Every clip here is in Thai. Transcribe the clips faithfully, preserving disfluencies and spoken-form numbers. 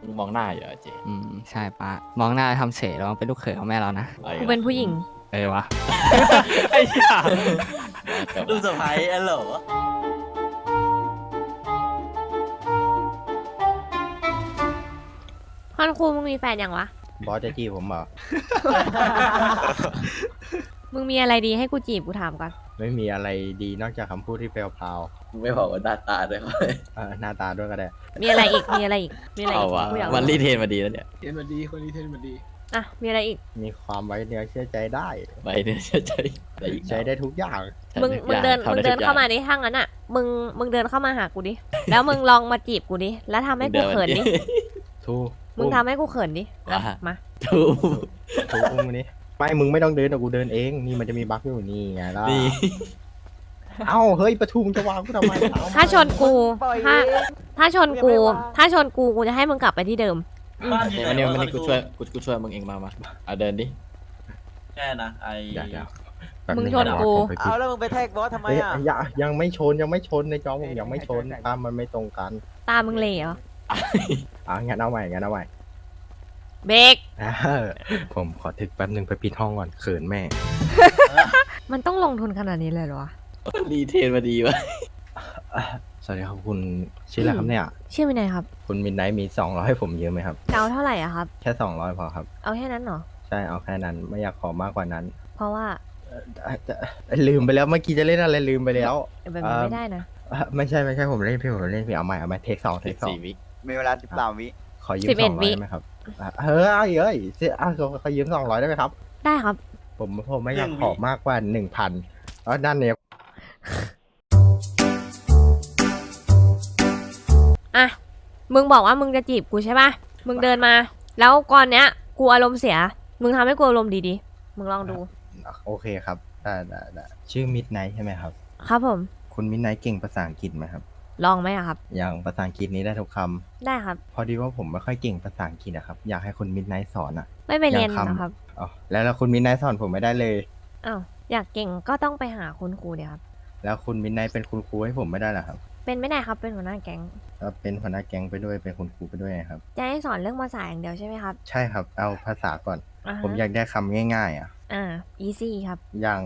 มึงมองหน้าอยู่เหรอเจอืมใช่ป้ามองหน้าทำเฉยแล้วเป็นลูกเขยของแม่เรานะอาอีกูกเป็นแล้วผู้หญิงเออวะ ไอ้เหี้ยลูกสะใภ้อะเหรอฮอนคูมึงมีแฟนยังวะบอสจะจีบผมเหรอมึงมีอะไรดีให้กูจีบกูถามก่อนไม่มีอะไรดีนอกจากคำพูดที่เปลวพราวมึงไม่บอกว่าหน้าตาด้วยเขาเลยเอ่อหน้าตาด้วยก็ได้มีอะไรอีก มีอะไรอีก มีอะไรเอาอีกวะกูอยากมันรู้รีเทนมาดีแล้วเนี่ยเทนมาดีคนนี้เทนมาดีอ่ะ มีอะไรอีกมีความไว้เนื้อเชื่อใจได้ไปเนี่ยเชื่อใจอะไรอีกใช้ได้ทุกอย่างมึง มึงเดินทำมึงไทุเดิกนอย่เข้ามาดิถ้างั้นอ่ะ มึง มึงเดินเข้ามาหากูดิ แล้วมึงลองมาจีบกูดิ แล้วทำให้กูเขินดิทูมึงทำให้กูเขินดิแล้วมาถูกทูอุ้มมานี่ไม่มึงไม่ต้องเดินแต่กูเดินเอง นี่มันจะมีบั๊กอยู่นี่ไงล่ะนี่เอ้าเฮ้ยประทุมจะวางกูทำไมเอถ้าชนกู ถ้า ถ้าชนกู ถ้าชนกู กูจะให้มึงกลับไปที่เดิมเดี๋ยววันนี้วันนี้กูช่วยกูกูช่วยมึงเองมามาเอาเดินดิแค่นะไอเดี๋ยวเดี๋ยวแป๊บมึงงชนนะกูผมไปคิดเอาแล้วมึงไปแท็กบอสทำไมเฮ้ยอ่ะอย่ายังไม่ชนยังไม่ชนในจอผมยังไม่ชนตามมันไม่ตรงกันตามึงเหลเหรออ่ะงั้นเอาใหม่งั้นเอาใหม่เบรกเออผมขอถึกแป๊บนึงไปปิดห้องก่อนเขินแม่มันต้องลงทุนขนาดนี้เลยเหรอวะรีเทนมาดีวะสวัสดีครับคุณชื่ออะไรครับเนี่ยชื่อวินัยครับคุณมินไนท์มีสองร้อยให้ผมยืมไหมครับจะเอาเท่าไหร่อะครับแค่สองร้อยพอครับเอาแค่นั้นเหรอใช่เอาแค่นั้นไม่อยากขอมากกว่านั้นเพราะว่าเอ่อจะลืมไปแล้วเมื่อกี้จะเล่นอะไรลืมไปแล้วแบบนี้ไม่ได้นะเอ่อไม่ใช่ไม่ใช่ผมเล่นพี่ผมเล่นพี่เอาใหม่เอาใหม่เทคสองเทสิคบสองสี่วิมีเวลาสิบสามวิขอยืมสิบเอ็สดองร้วิอยได้ไหมครับอ่ะเฮ้ยเอ้ยเสียอ่ะขอขอยืมสองร้อยได้ไหมครับได้ครับผมผมไม่อยากขอมากกว่าหนึ่งพันเพราะด้านเนี้ยอ่ะ มึงบอกว่ามึงจะจีบกูใช่ป่ะ มึงเดินมา แล้วก่อนเนี้ย กูอารมณ์เสีย มึงทำให้กูอารมณ์ดีดีๆมึงลองดูโอเคครับได้ได้ได้ชื่อมิดไนท์ใช่ไหมครับครับผมคุณมิดไนท์เก่งภาษาอังกฤษไหมครับลองไหมอะครับอย่างภาษาอังกฤษนี้ได้ทุกคำได้ครับพอดีว่าผมไม่ค่อยเก่งภาษาอังกฤษอะครับ อยากให้คุณมิดไนท์สอนอะไม่ไปเรียนอย่างคำนะครับอ๋อแล้วแล้วคุณมิดไนท์สอนผมไม่ได้เลยอ้าว อยากเก่งก็ต้องไปหาคุณครูเดี๋ยวครับแล้วคุณมิดไนท์เป็นคุณครูให้ผมไม่ได้เหรอครับเป็นไม่ได้ครับ เป็นหัวหน้าแก๊งแล้วเป็นหัวหน้าแก๊งไปด้วยเป็นคุณครูไปด้วยไงครับจะให้สอนเรื่องภาษาอย่างเดียวใช่ไหมครับใช่ครับเอาภาษาก่อนอ่าฮะผมอยากได้คำง่ายๆอะอ่า easy ครับอย่าง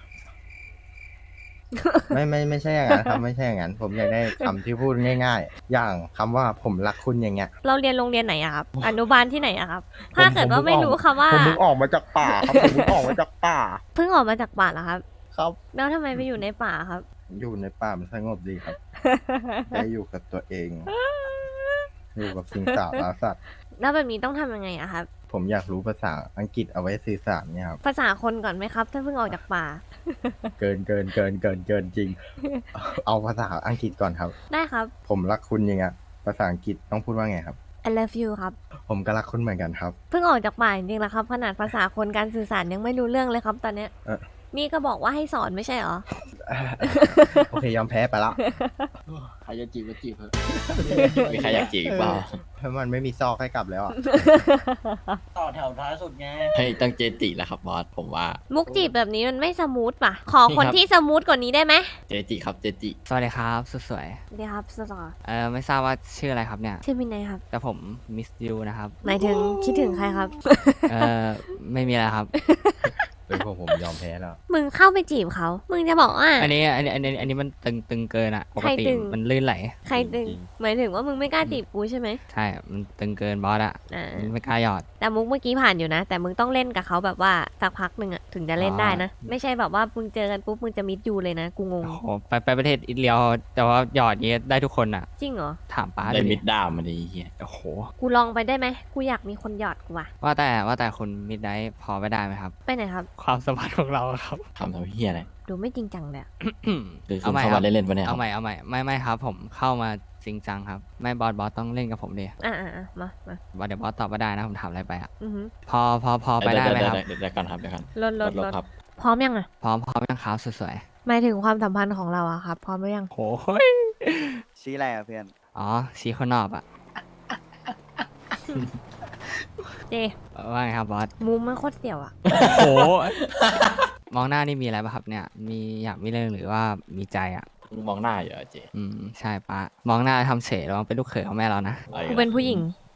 ไม่ไม่ไม่ใช่อย่างนั้นครับไม่ใช่อย่างนั้น ผมอยากได้คำที่พูดง่าย ๆ อย่างคำว่าผมรักคุณอย่างเงี้ยเราเรียนโรงเรียนไหนอะครับ อนุบาลที่ไหนอะครับ ถ้าเกิดว่าไม่รู้คำว่าผมมึงออกมาจากป่าครับผมมึงออกมาจากป่าเพิ่งออกมาจากป่าเหรอครับครับแล้วทำไมไปอยู่ในป่าครับอยู่ในป่ามันสงบดีครับ ได้อยู่กับตัวเอง อยู่กับสิ่งสาราสัตว์แล้วแบบนี้ต้องทำยังไงอะครับผมอยากรู้ภาษาอังกฤษเอาไว้สื่อสารเนี่ยครับภาษาคนก่อนไหมครับ ถ้าเพิ่งออกจากป่าเกินเกินเกินเกินเกินจริง เอาภาษาอังกฤษก่อนครับได้ครับผมรักคุณอย่างเงี้ยภาษาอังกฤษต้องพูดว่าไงครับ I love you ครับผมก็รักคุณเหมือนกันครับเพิ่งออกจากป่าจริงๆแล้วครับ ขนาดภาษาคนการสื่อสารยังไม่รู้เรื่องเลยครับ ตอนเนี้ยเออนี่ก็บอกว่าให้สอนไม่ใช่เหรอโอเคยอมแพ้ไปละใครจะจีบก็จีบเถอะมีใครอยากจีบอีกเปล่าเพราะมันไม่มีซอกให้กลับแล้วอะต่อแถวท้ายสุดไงให้ตั้งเจจิแล้วครับบอสผมว่ามุกจีบแบบนี้มันไม่สมูทป่ะ ขอคนนี่ครับที่สมูทกว่านี้ได้ไหมเจจิครับเจจิสวัสดีครับสุดสวยเดี๋ยวครับสตอเออไม่ทราบว่าชื่ออะไรครับเนี่ยชื่อมินไนครับแต่ผมมิสยูนะครับหมายถึงคิดถึงใครครับเออไม่มีอะไรครับเป็นพวกผมยอมแพ้แล้วมึงเข้าไปจีบเขา มึงจะบอกว่าอันนี้อันนี้อันนี้อันนี้มันตึงตึงเกินอะปกใครติตึงมันลื่นไหลใครดึง หมายถึงว่ามึงไม่กล้าจีบกูใช่ไหมใช่ มันตึงเกินบอสอะอ่ามันไม่กล้าหยอดแต่มุกเมื่อกี้ผ่านอยู่นะ แต่มึงต้องเล่นกับเขาแบบว่าสักพักหนึ่งอะถึงจะเล่นได้นะ ไม่ใช่แบบว่ามึงเจอกันปุ๊บมึงจะมิดยูเลยนะ กูงงโอ้โหไปไปประเทศอิตาลีแต่ว่าหยอดนี้ได้ทุกคนอะจริงเหรอถามป้าได้ดูมิดิดดามมาดีเฮียโอ้โหกูลองไปได้ไหม กูอยากมีคนหยอดกูว่ะว่าแต่ว่าแต่คุณมิดได้พอไปได้ไหมครับไปไหนครับความสัมพันธ์ของเราครับทำทำเฮียอะไรดูไม่จริงจังเลยอะคือคุเอาณใหม่เข้าครัมาบเล่นๆปะเนี่ยคเอารับใหม่เอาใหม่ไม่ไม่ครับ ผมเข้ามาจริงจังครับ ไม่บอสบอสต้องเล่นกับผมดิอ่าอ่าอ่ามามาว่าเดี๋ยวบอสตอบไม่ได้นะผมถามอะไรไปอะอือหือพอพอพอไปได้ไหมครับเดี๋ยวเดี๋ยวก่อนครับเดี๋ยวก่อนลดลดลลดดครับพร้อมยังอะพร้อมพร้อมยังครับสุดสวยหมายถึงความสัมพันธ์ของเราอะครับ พร้อมหรือยังโอ้โหยชี้อะไรอ่ะเพื่อนอ๋อชี้คนนอบอะเจว่าไงครับบอสมุมมันโคตรเสี่ยวอะโอ้โห มองหน้านี่มีอะไรป่ะครับเนี่ย มีอยากมีเรื่องหรือว่ามีใจอ่ะมึงมองหน้าอยู่เหรอเจอืมใช่ปะมองหน้าทำเฉยแล้วเป็นลูกเขยของแม่เรานะอาอีกูแล้วเป็นผู้หญิง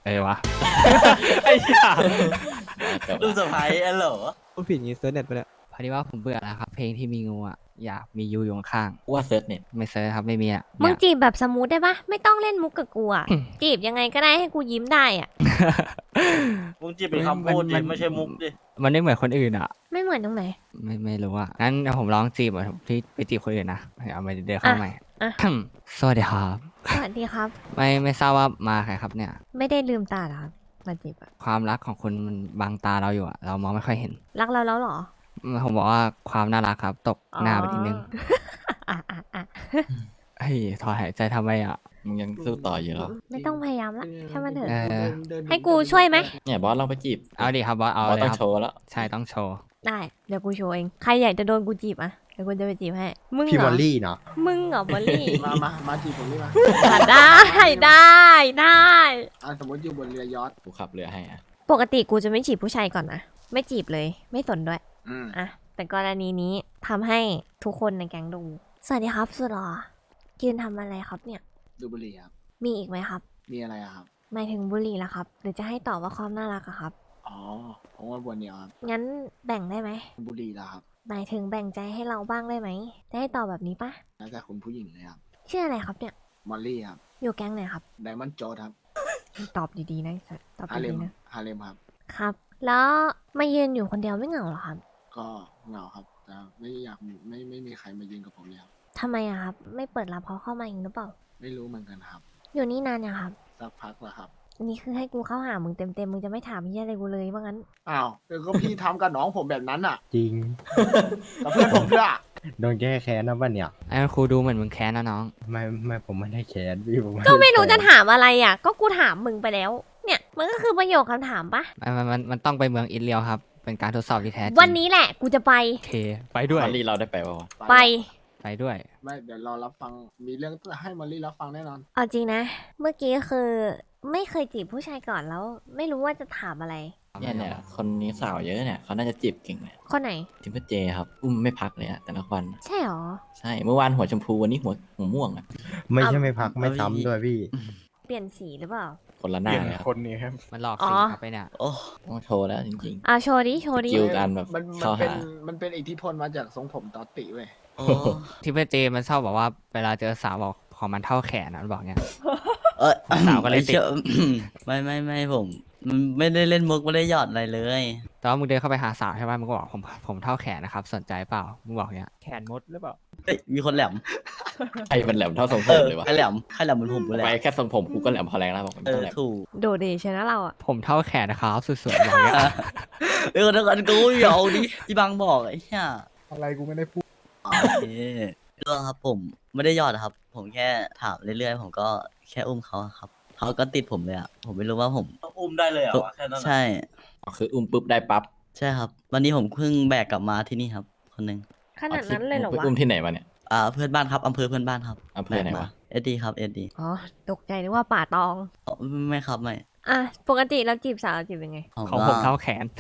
เออวะ ไอ้เหี้ยจบดูละเซอร์ไพรส์เหรอพูดผิดงี้เซิร์ชเน็ตไปแล้วพอดีว่าผมเบื่อแล้วครับ เพลงที่มีงูอ่ะอยากมียูอยู่ข้างกูว่าเซิร์ชเน็ตๆไม่เซิร์ชครับไม่มีอ่ะมึงเนี่ยจีบแบบสมูทได้ปะไม่ต้องเล่นมุกกับกูอะจีบยังไงก็ได้ให้กูยิ้มได้อะมึงจีบเป็นคำพูดดิไม่ใช่มุกดิมันไม่เหมือนคนอื่นอ่ะไม่เหมือนตรงไหนไม่ไม่รู้อ่ะงั้นเดี๋ยวผมลองจีบอ่ะที่ไปจีบคนอื่นนะเอาไปเดินเข้าใหม่อ่ะสวัสดีครับสวัสดีครับไม่ไม่ทราบว่ามาใครครับเนี่ยไม่ได้ลืมตาเหรอครับมาจีบอะความรักของคุณมันบังตาเราอยู่อะเรามองไม่ค่อยเห็นรักเราแล้วเหรอผมบอกว่าความน่ารักครับ ตกหน้าไปนิดนึงอ่ะอ่ะอ่ะเฮ้ยถอนหายใจทำไมอ่ะมึงยังสู้ต่ออยู่เหรอไม่ต้องพยายามละแค่มันเถอะเออให้กูช่วยไหมเนี่ยบอสลองไปจีบเอาดิครับบอสเอาบอสเลยต้องครับโชว์แล้วใช่ต้องโชว์ได้เดี๋ยวกูโชว์เองใครอยากจะโดนกูจีบอะเดี๋ยวกูจะไปจีบให้มึงพี่เหรมออลลี่เนาะมึงเหรอบอลลี่มามามาจีบผมนี่มาอ่ะได้ได้ได้อ่ะสมมติอยู่บนเรือยอชต์กูขับเรือให้อ่ะปกติกูจะไม่จีบผู้ชายก่อนนะไม่จีบเลย ไม่สนด้วยอืมอะแต่กรณีนี้ทำให้ทุกคนในแก๊งดู สวัสดีครับสุดหรอยืนทำอะไรครับเนี่ยดูบุหรี่ครับมีอีกไหมครับมีอะไรอะครับหมายถึงบุหรี่ละครับ หรือจะให้ตอบว่าความน่ารักอะครับอ๋อผมว่าบนเดียวครับงั้นแบ่งได้ไหมบุหรี่ละครับหมายถึงแบ่งใจให้เราบ้างได้ไหมจะให้ตอบแบบนี้ปะแล้วแต่คุณผู้หญิงเลยครับชื่ออะไรครับเนี่ยมอลลี่ครับอยู่แก๊งไหนครับไดมอนด์โจดครับตอบดีๆนะไอ้สัสตอบฮาเลดีมๆนะฮาเลมครับครับ แล้วมายืนอยู่คนเดียวไม่เหงาเหรอครับก็เหงาครับ แต่ไม่อยากมีไม่ไม่มีใครมายืนกับผมเลยครับทำไมอะครับ ไม่เปิดรับเขาเข้ามาอีกหรือเปล่าไม่รู้เหมือนกันครับอยู่นี่นานยังครับสักพักแล้วครับอันนี้คือให้กูเข้าหามึงเต็มๆมึงจะไม่ถามเฮียอะไรกูเลยว่างั้นอ้าวเดี๋ยวก็พี่ทำกับน้องผมแบบนั้นอ่ะจริงกับเพื่อนผมด้วยอะโดนแก้แค้นนะบ้านเนี่ยไอ้ครูดูเหมือนมึงแค้นนะน้องไม่ไม่ผมไม่ได้แค้นพี่ผมก็ไม่รู้ด้จะแค้นถามอะไรอ่ะ ก็กูถามมึงไปแล้ว เนี่ย มันก็คือประโยคคำถามปะมันมันมันมันต้องไปเมืองอินเลียวครับ เป็นการทดสอบที่แท้จริงวันนี้แหละกูจะไปโอเค ไปด้วยมอลลี่เราได้ไปป่าวะไปไปด้วยไม่เดี๋ยวรอรับฟัง มีเรื่องให้มอลลี่รับฟังแน่นอนเอาจริงนะ เมื่อกี้คือไม่เคยจีบผู้ชายก่อนแล้ว ไม่รู้ว่าจะถามอะไรเนี่ยเนี่ยคนนี้สาวเยอะเนี่ยเขาน่าจะจีบเก่งเนี่ยคนไหนทิมเปอร์เจครับ อุ้มไม่พักเลยอะแต่ละวันใช่หรอใช่ เมื่อวานหัวชมพูวันนี้หัวหัวม่วงอะไม่ใช่ไม่พักไม่ซ้ำด้วยพี่เปลี่ยนสีหรือเปล่าคนละหน้าเลยครับคนนี้ครับมันหลอกอ๋สิองครับไปเนี่ยโอ้ต้องโชว์แล้วจริงอ่ะโชว์ดิ โชว์ดิสกิล การแบบมันมัเข้านเป็นหามันเป็นอิทธิพลมาจากทรงผมตอตติเว้ยที่เพื่อนเจมันชอบบอกว่าเวลาเจอสาวบอกของมันเท่าแขนนะมันบอกเนี้ยเออสาวก็เลยติดไอ้ชี่ ไม่ไม่ไม่ผมมันไม่ได้เล่นมุกไม่ได้หยอดอะไรเลยแต่ว่ามึงเดินเข้าไปหาสาวใช่ป่ะมึงก็บอกผมผมเท่าแขนนะครับสนใจเปล่ามึงบอกเนี้ยแขนมดหรือเปล่าเฮ้ยมีคนแหลมใครมันแหลมเท่าทรงผเอมอเลยวะใครแหลมใครแหลมเหมือนผมกูแหลไปมแค่ทรงผมกูก็แหลมพอแรงแล้วบอกมันเอต้องอแหลมถูกโดดเดชนะเราอ่ะผมเท่าแขนนะครับสุดๆบอกเนี้ยเออเดี๋ยวกันกูอย่าเอาดิที่บางบอกไอ้เหี้ยอะไรกูไม่ได้พูดโอเคเรื่องครับผมไม่ได้หยอดครับ ผมแค่ถามเรื่อยๆผมก็แค่อุ้มเขาอะครับเขาก็ติดผมเลยอ่ะผมไม่รู้ว่าผมอุ้มได้เลยเหรอวะแค่นั้นอะใช่อ๋อคืออุ้มปุ๊บได้ปั๊บใช่ครับ วันนี้ผมเพิ่งแบกกลับมาที่นี่ครับ คนหนึ่งขนาดนั้นเลยเหรอไปวะอุ้มที่ไหนมาเนี่ยอ่าเพื่อนบ้านครับอำเภอเพื่อนบ้านครับอำเภอไหนวะเอ็ดดีครับเอ็ดดีอ๋อ ตกใจนึกว่าป่าตองไม่ครับไม่อ่ะ ปกติเราจีบสาวจีบยังไงของผมเท่าแขน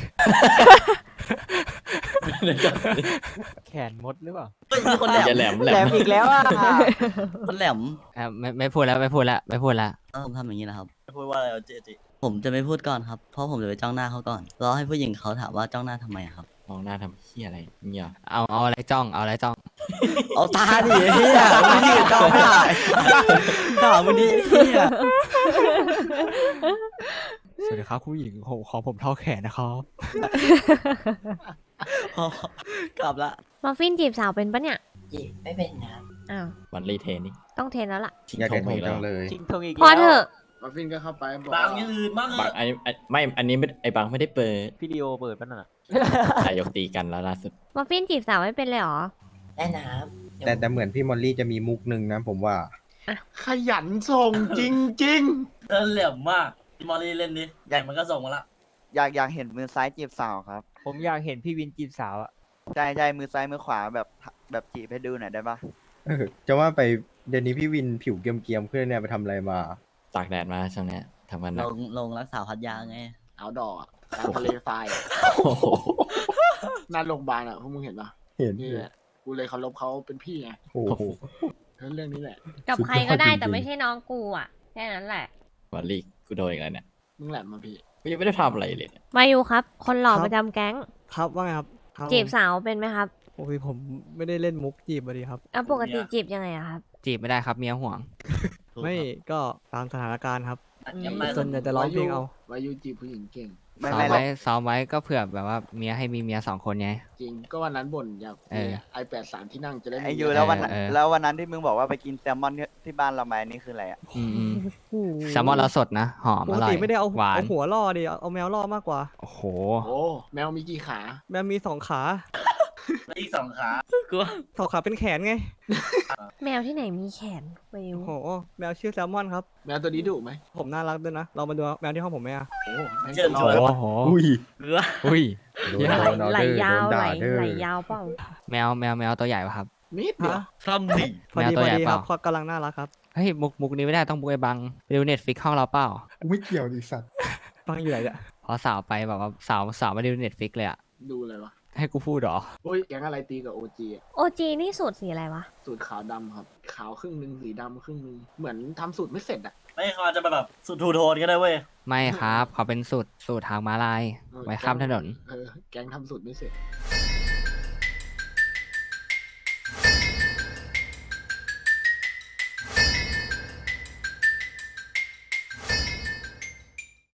แขนมดหรือเปล่าเฮ้ยมีคนแหลมจะแหลมแหลแหลมมอีกแล้วอ่ะคนแหลมเอ่อไม่ไม่พูดแล้วไม่พูดแล้วไม่พูดแล้วเออผมทำอย่างนี้นะครับพูดว่าอะไรวะเจเจผมจะไม่พูดก่อนครับ เพราะผมจะไปจ้องหน้าเขาก่อนรอให้ผู้หญิงเขาถามว่าจ้องหน้าทำไมอะครับมองหน้าทำเหี้ยอะไรเงี้ยเอาเอาอะไรจ้องเอาอะไรจ้องเอาตาดิเฮียไม่ยืนจ้องไม่ได้ถามมันดิเฮียสวัสดีครับผู้หญิงผมขอผมเท่าแขนนะครับพอกลับละมาฟินจีบสาวเป็นปะเนี่ยจีบไม่เป็นนะอ้าววันรีเทนนี่ต้องเทรนแล้วล่ะชิงอยากทได้งทไปงแล้จัวงเลยชิงทงอีกพอแล้วเถอะมาฟินก็เข้าไปบอกบางว่าอย่างอื่นบ้างบังอันนี้อันไม่อันนี้ไม่ไอ้บังไม่ได้เปิดพี่ดีโอเปิดป่ะน่ะแต่ยกตีกันแล้วล่าสุดมาฟินจีบสาวไม่เป็นเลยเหรอได้น้แต่แต่เหมือนพี่มอลลี่จะมีมุกหนึ่งนะผมว่าขยันส่งจริงำเออเหลี่ยมมากที่มอลลี่เล่นดิใหญ่มันก็ส่งมาละ อยากอยากเห็นมือซ้ายจีบสาวครับผมอยากเห็นพี่วินจีบสาวอะใช่ใช่มือซ้ายมือขวาแบบแบบจีบให้ดูหน่อยได้ปะเออจะว่าไปเดี๋ยวนี้พี่วินผิวเกรียมๆขึ้นเนี่ยไปทำอะไรมาตากแดดมาช่วงเนี้ยทำงานหลนักงลงรักษาพัทยาไงๆ เอาดอกอะตามทะเลทรายอะโอ้โหหน้าโรงพยาบาลอ่ะพวกมึงเห็นปะเห็นนี่แหละกูเลยเคารพเขาเป็นพี่ไงโอ้โหเรื่องนี้แหละกับสุดยอดใครก็ได้จริงๆแต่ไม่ใช่น้องกูอ่ะ แค่นั้นแหละวันรีกูโดนอีกแล้วเนี่ยมึงแหลมมาพี่กูยังไม่ได้ทำอะไรเลยเนี่ยมาอยู่ครับ คนหล่อครับประจำแก๊งครับว่าไงครับครับจีบผมสาวเป็นไหมครับโอ้ยผมไม่ได้เล่นมุกจีบมาดีครับอ่ะปกติจีบยังไงอะครับจีบไม่ได้ครับเมียห่วงถูกไม่ครับก็ตามสถานการณ์ครับอืมส่วนใหญ่จะร้องเพลงเอาวายุจีบผู้หญิงเก่งไม่ซ้อมไม่หรอไว้กซ้อมไว้ก็เผื่อแบบว่าเมียให้มีเมียสองคนไงจริง ก็วันนั้นบ่นอยากเออไอแปดสามที่นั่งจะได้มีไอยูแล้ววันนั้นเออเออแล้ววันนั้นที่มึงบอกว่าไปกินแซลมอนที่ที่บ้านเราไหมนี่คืออะไรอ่ะอืมอืมโอ้โหแซลมอนเราสดนะหอมปอก ร่อติยไม่ได้เอาหวานเอาหัวล่อดิเอาเอาแมวล่อมากกว่าโอ้โหโอ้แมวมีกี่ขาแมวมีสองขาอีกสองขาสองขาเป็นแขนไงแมวที่ไหนมีแขนไปอยู่โอ้โหแมวชื่อแซลมอนครับแมวตัวนี้ดุไหมผมน่ารักด้วยนะเรามาดูแมวที่ห้องผมไหมอะโอ้แม่งเชิญชวนโอ้โหอุ้ยอุ้ยโดเยนอะโดนเอาไหลเด้อยาวโดนไหลด่าเด้อไหลยาวเปล่าแมวแมวแมวตัวใหญ่ป่ะครับนิดเดียวฮะซ้ำดิพอดีแมวตัพวอใหญ่ดีเปครัล่าบเขากำลังน่ารักครับเฮ้ยมุกมุกนี้ไม่ได้ต้องมุกไอ้บังไปดูเน็ตฟิกห้องเราเปล่ากูไม่เกี่ยวดิสัตว์ฟังอยู่ไหนเนี่ยพอสาวไปแบบว่าสาวสาวมาดูเน็ตฟิกเลยอะดูเลยวะให้กูพูดเหรอโอ้ยแก๊งอะไรตีกับโอจีโอจีนี่สูตรสีอะไรวะสูตรขาวดำครับ ขาวครึ่งหนึ่งสีดำครึ่งหนึ่งเหมือนทำสูตรไม่เสร็จอ่ะไม่เขาอาจจะแบบสุดทูโทนก็ได้เว้ยไม่ครับเขาเป็นสูตรสูตรทางม้าลายเออไว้ข้ามถนนเออแก๊งทำสูตรไม่เสร็จ